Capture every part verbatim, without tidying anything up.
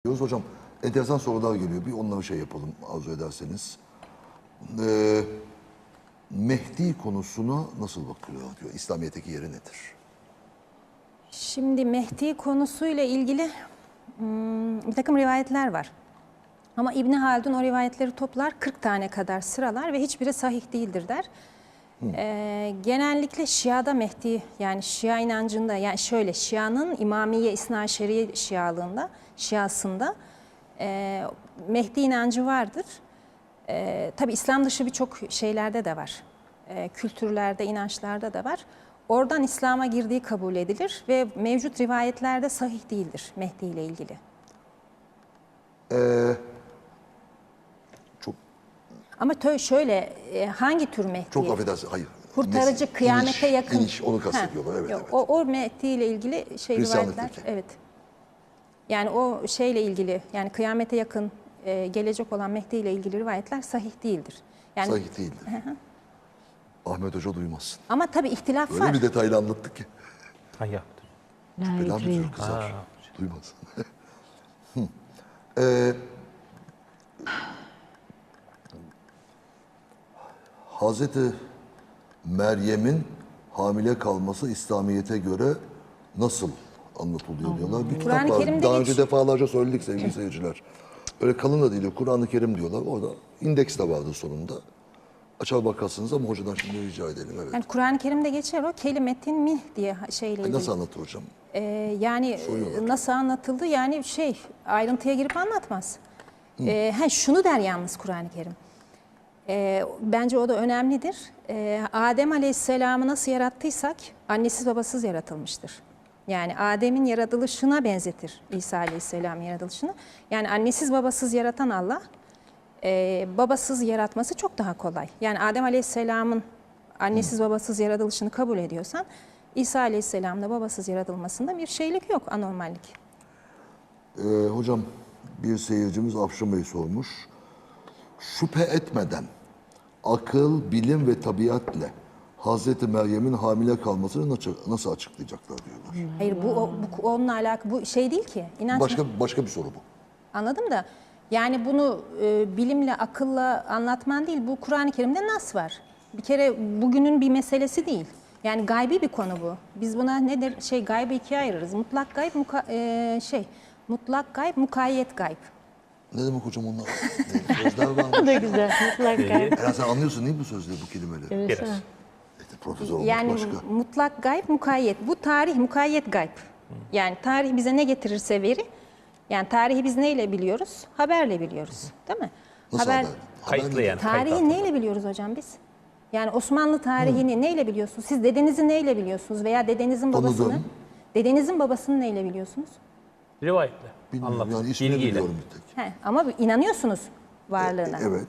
Hocam enteresan sorular geliyor. Bir onları şey yapalım arzu ederseniz. Ee, Mehdi konusuna nasıl bakılıyor diyor. İslamiyet'teki yeri nedir? Şimdi Mehdi konusuyla ilgili bir takım rivayetler var. Ama İbni Haldun o rivayetleri toplar, kırk tane kadar sıralar ve hiçbiri sahih değildir der. Ee, genellikle Şia'da Mehdi, yani Şia inancında, yani şöyle Şia'nın İmamiye İsnaşeriye Şialığında, Şiasında e, Mehdi inancı vardır. E, tabii İslam dışı birçok şeylerde de var. E, kültürlerde, inançlarda da var. Oradan İslam'a girdiği kabul edilir ve mevcut rivayetlerde sahih değildir Mehdi ile ilgili. Ee, çok Ama şöyle, e, hangi tür Mehdi? çok affedersin, hayır. Kurtarıcı, Nesil, kıyamete iniş, yakın. iniş, onu kastediyorlar, evet, Yok, evet. O, o Mehdi ile ilgili şey rivayetler, evet. Yani o şeyle ilgili, yani kıyamete yakın e, gelecek olan Mehdi ile ilgili rivayetler sahih değildir. Yani, sahih değildir. Ahmet Hoca duymazsın. Ama tabii ihtilaf Öyle var. bir detaylı anlattık ki. Hayır. Bela müdür kızar. Duymaz. ee, Hazreti Meryem'in hamile kalması İslamiyet'e göre nasıl anlatılıyor diyorlar. Bir kitap Kur'an-ı var. Kerim'de Daha önce geçiyor. defalarca söyledik sevgili seyirciler. Öyle kalın da değil, Kur'an-ı Kerim diyorlar. Orada indeks de vardı sonunda. Açar bakarsınız ama hocadan şimdi rica edelim. Evet. Yani Kur'an-ı Kerim'de geçer o kelimetin mih diye şeyle ilgili. Nasıl anlatır hocam? Ee, yani Soruyorlar. nasıl anlatıldı? Yani şey, ayrıntıya girip anlatmaz. Ee, ha, şunu der yalnız Kur'an-ı Kerim. Ee, bence o da önemlidir. Ee, Adem Aleyhisselam'ı nasıl yarattıysak annesiz babasız yaratılmıştır. Yani Adem'in yaratılışına benzetir İsa Aleyhisselam yaratılışını. Yani annesiz babasız yaratan Allah, e, babasız yaratması çok daha kolay. Yani Adem Aleyhisselam'ın annesiz babasız yaratılışını kabul ediyorsan, İsa Aleyhisselam'da babasız yaratılmasında bir şeylik yok, anormallik. Ee, hocam bir seyircimiz Afşin Bey sormuş. Şüphe etmeden akıl, bilim ve tabiatle Hazreti Meryem'in hamile kalmasını nasıl, nasıl açıklayacaklar diyorlar. Hayır, bu, o- bu onunla alakalı, bu şey değil ki. İnanç Başka başka bir soru bu. Anladım da, yani bunu e, bilimle, akılla anlatman değil, bu Kur'an-ı Kerim'de nas var. Bir kere bugünün bir meselesi değil. Yani gaybi bir konu bu. Biz buna nedir? Şey, gaybı ikiye ayırırız. Mutlak gayb, muka, e, şey, mutlak gayb, mukayyet gayb. Ne demek hocam onlar? Ne, sözler var O mı? da güzel. Mutlaka. Herhalde sen anlıyorsun değil mi bu sözleri, bu kelimeleri? Biraz. İşte profesör olmak Yani başka. mutlak gayb, mukayyet. Bu tarih, mukayyet gayb. Yani tarih bize ne getirirse veri, yani tarihi biz neyle biliyoruz? Haberle biliyoruz, değil mi? Nasıl haber? Kayıtlı Haber yani. kayıt Tarihi altında. neyle biliyoruz hocam biz? Yani Osmanlı tarihini neyle biliyorsunuz? Siz dedenizi neyle biliyorsunuz veya dedenizin babasını? Tanıdım. Dedenizin babasını neyle biliyorsunuz? Rivayetle. Bilmiyorum Anlat. yani ismini Bilgiyle. biliyorum bir tek. He, ama inanıyorsunuz varlığına. Evet.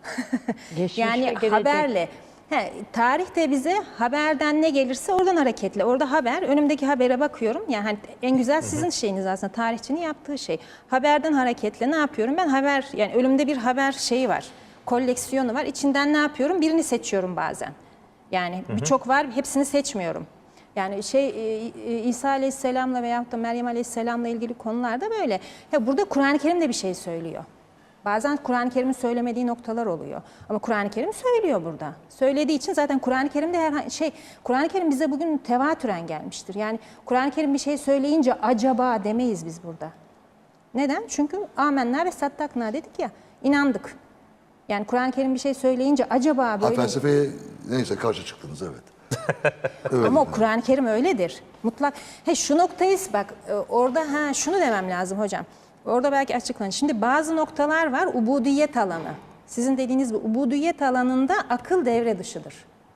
Geçmiş ve Yani gelecek. haberle. He, tarih de bize haberden ne gelirse oradan hareketle. Orada haber, önümdeki habere bakıyorum. Yani hani en güzel sizin şeyiniz aslında, tarihçinin yaptığı şey. Haberden hareketle ne yapıyorum? Ben haber, yani önümde bir haber şeyi var. Koleksiyonu var. İçinden ne yapıyorum? Birini seçiyorum bazen. Yani birçok var, hepsini seçmiyorum. Yani şey e, e, İsa Aleyhisselam'la veyahut da Meryem Aleyhisselam'la ilgili konularda böyle. Ya burada Kur'an-ı Kerim de bir şey söylüyor. Bazen Kur'an-ı Kerim'in söylemediği noktalar oluyor. Ama Kur'an-ı Kerim söylüyor burada. Söylediği için zaten Kur'an-ı Kerim'de her şey, Kur'an-ı Kerim bize bugün tevatüren gelmiştir. Yani Kur'an-ı Kerim bir şey söyleyince acaba demeyiz biz burada. Neden? Çünkü amenna ve sattakna dedik ya, inandık. Yani Kur'an-ı Kerim bir şey söyleyince acaba Ha, böyle... felsefeye neyse karşı çıktınız, evet. Evet. Ama o Kur'an-ı Kerim öyledir. Mutlak. He, şu noktayı bak e, orada ha şunu demem lazım hocam. Orada belki açıklanır. Şimdi bazı noktalar var, ubudiyet alanı. Sizin dediğiniz gibi ubudiyet alanında akıl devre dışıdır.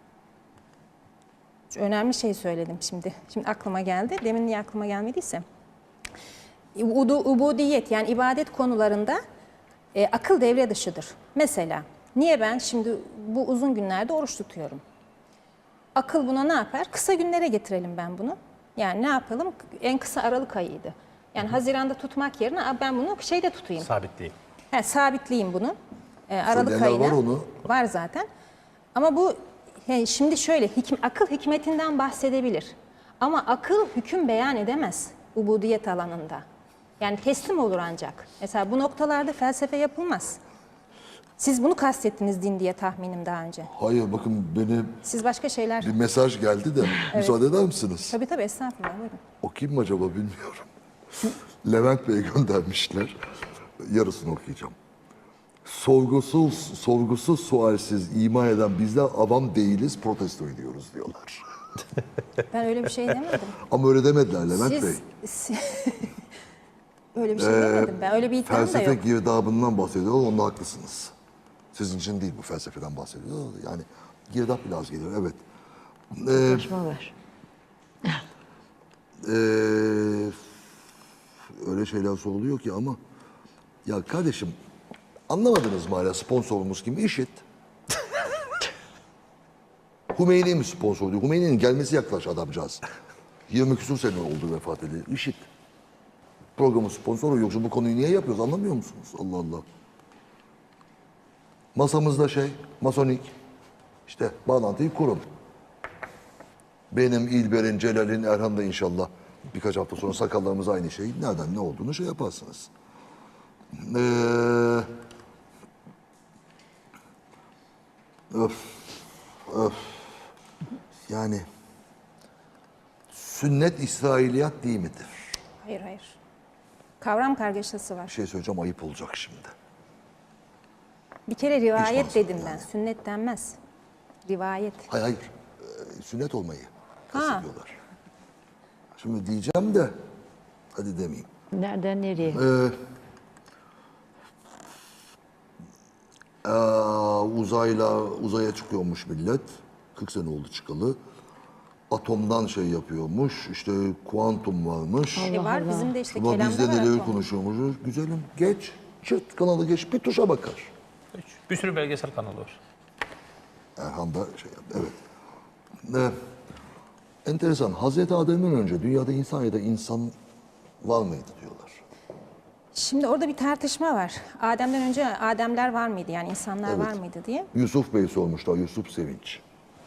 Şu önemli şey söyledim şimdi. Şimdi aklıma geldi. Demin niye aklıma gelmediyse. Udu, ubudiyet yani ibadet konularında e, akıl devre dışıdır. Mesela niye ben şimdi bu uzun günlerde oruç tutuyorum? Akıl buna ne yapar? Kısa günlere getirelim ben bunu. Yani ne yapalım? En kısa Aralık ayıydı. Yani Haziran'da tutmak yerine ben bunu şeyde tutayım. Sabit değil. He, sabitleyeyim bunu. Ee, Aralık Söyleyenler ayına. var onu. Var zaten. Ama bu he, şimdi şöyle hikm, akıl hikmetinden bahsedebilir. Ama akıl hüküm beyan edemez ubudiyet alanında. Yani teslim olur ancak. Mesela bu noktalarda felsefe yapılmaz. Siz bunu kastettiniz din diye tahminim daha önce. Hayır bakın beni Siz başka şeyler... bir mesaj geldi de müsaade eder misiniz? Tabii tabii estağfurullah buyurun. O kim acaba bilmiyorum. Levent Bey göndermişler. Yarısını okuyacağım. Sorgusuz, sorgusuz, sualsiz ima eden bizler avam değiliz, protesto ediyoruz diyorlar. Ben öyle bir şey demedim. Ama öyle demediler Levent Bey. Siz... si- öyle bir şey demedim ben. Öyle bir iddiam da Felsefe yok. girdabından bahsediyorlar, onda haklısınız. Sizin için değil bu felsefeden bahsediyorlar. Yani girdap biraz geliyor, evet. Ee, Konuşma var. Ee, öyle şeyler soruluyor ki ama ya kardeşim anlamadınız mı hala sponsorumuz kim? IŞİD. Hümeyni mi sponsor diyor? Hümeyni'nin gelmesi yaklaş adamcağız. yirmi küsur sene oldu vefat edildi. IŞİD. Programın sponsoru yoksa bu konuyu niye yapıyoruz anlamıyor musunuz? Allah Allah. Masamızda şey, masonik. İşte bağlantıyı kurun. Benim, İlber'in, Celal'in, Erhan da inşallah birkaç hafta sonra sakallarımız aynı şey. Nereden ne olduğunu şey yaparsınız. Ee, öf, öf. Yani sünnet İsrailiyat değil midir? Hayır hayır. Kavram kargaşası var. Bir şey söyleyeceğim ayıp olacak şimdi. Bir kere rivayet Hiç dedim ben. yani. Sünnet denmez. Rivayet. Hayır hayır. Ee, sünnet olmayı Ha. kastediyorlar. Şimdi diyeceğim de hadi demeyeyim. Nereden nereye? Ee, Ee, uzayla uzaya çıkıyormuş millet. kırk sene oldu çıkalı. Atomdan şey yapıyormuş. İşte kuantum varmış. E var bizim de işte Ama biz kelamda de var neleri atom. konuşuyormuşuz. Güzelim geç. Çıt kanalı geç. Bir tuşa bakar. Bir sürü belgesel kanalı var. Erhan da şey yaptı. Evet. Ee, enteresan. Hazreti Adem'den önce dünyada insan ya da insan var mıydı diyorlar. Şimdi orada bir tartışma var. Adem'den önce Ademler var mıydı yani insanlar Evet. var mıydı diye. Yusuf Bey sormuşlar. Yusuf Sevinç.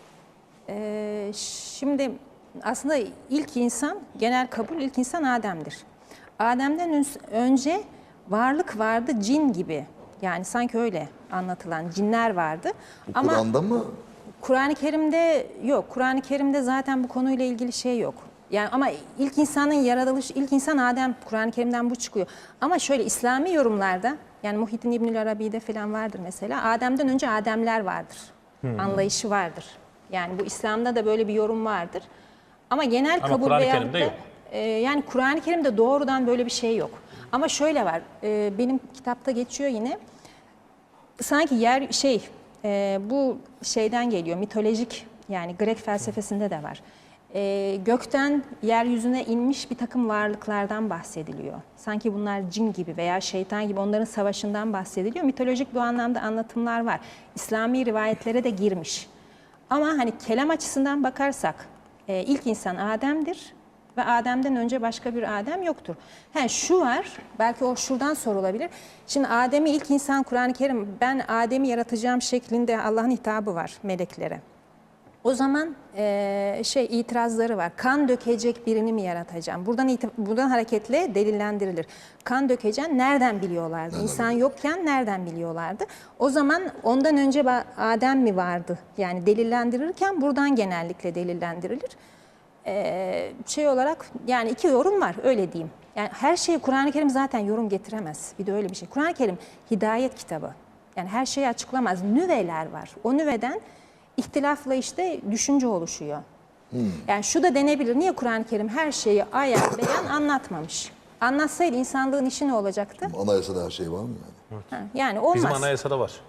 Ee, şimdi aslında ilk insan, genel kabul ilk insan Adem'dir. Adem'den ön- önce varlık vardı cin gibi. Yani sanki öyle anlatılan cinler vardı. Bu Ama Kur'an'da mı? Kur'an-ı Kerim'de yok. Kur'an-ı Kerim'de zaten bu konuyla ilgili şey yok. Yani ama ilk insanın yaratılışı, ilk insan Adem, Kur'an-ı Kerim'den bu çıkıyor. Ama şöyle İslami yorumlarda, yani Muhyiddin İbnül Arabi'de falan vardır mesela. Adem'den önce Ademler vardır. Anlayışı vardır. Yani bu İslam'da da böyle bir yorum vardır. Ama genel Ama kabul Kur'an-ı veyahut Kerim'de da, yok. e, yani Kur'an-ı Kerim'de doğrudan böyle bir şey yok. Ama şöyle var. e, benim kitapta geçiyor yine. Sanki yer şey e, bu şeyden geliyor mitolojik yani Grek felsefesinde de var. E, gökten yeryüzüne inmiş bir takım varlıklardan bahsediliyor. Sanki bunlar cin gibi veya şeytan gibi onların savaşından bahsediliyor. Mitolojik bu anlamda anlatımlar var. İslami rivayetlere de girmiş. Ama hani kelam açısından bakarsak e, ilk insan Adem'dir. Ve Adem'den önce başka bir Adem yoktur. He, şu var, belki o şuradan sorulabilir. Şimdi Adem'i ilk insan Kur'an-ı Kerim, ben Adem'i yaratacağım şeklinde Allah'ın hitabı var meleklere. O zaman e, şey itirazları var. Kan dökecek birini mi yaratacağım? Buradan iti- buradan hareketle delillendirilir. Kan dökeceğim nereden biliyorlardı? İnsan yokken nereden biliyorlardı? O zaman ondan önce ba- Adem mi vardı? Yani delillendirirken buradan genellikle delillendirilir. Ee, şey olarak yani iki yorum var öyle diyeyim. Yani her şeyi Kur'an-ı Kerim zaten yorum getiremez. Bir de öyle bir şey. Kur'an-ı Kerim hidayet kitabı. Yani her şeyi açıklamaz. Nüveler var. O nüveden ihtilafla işte düşünce oluşuyor. Yani şu da denebilir. Niye Kur'an-ı Kerim her şeyi ayan beyan anlatmamış? Anlatsaydı insanlığın işi ne olacaktı? Anayasada her şey var mı yani? Ha, yani olmaz. Bizim anayasada var.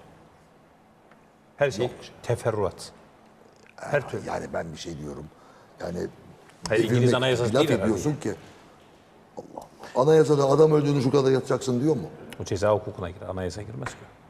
Her şey teferruat. Her türlü. Yani ben bir şey diyorum. Yani Hayır, İngiliz devirmek, anayasası laf değil herhalde. ediyorsun ki. Allah Allah. Anayasada adam öldüğünü şu kadar yatacaksın diyor mu? O ceza hukukuna girer. Anayasa girmez ki.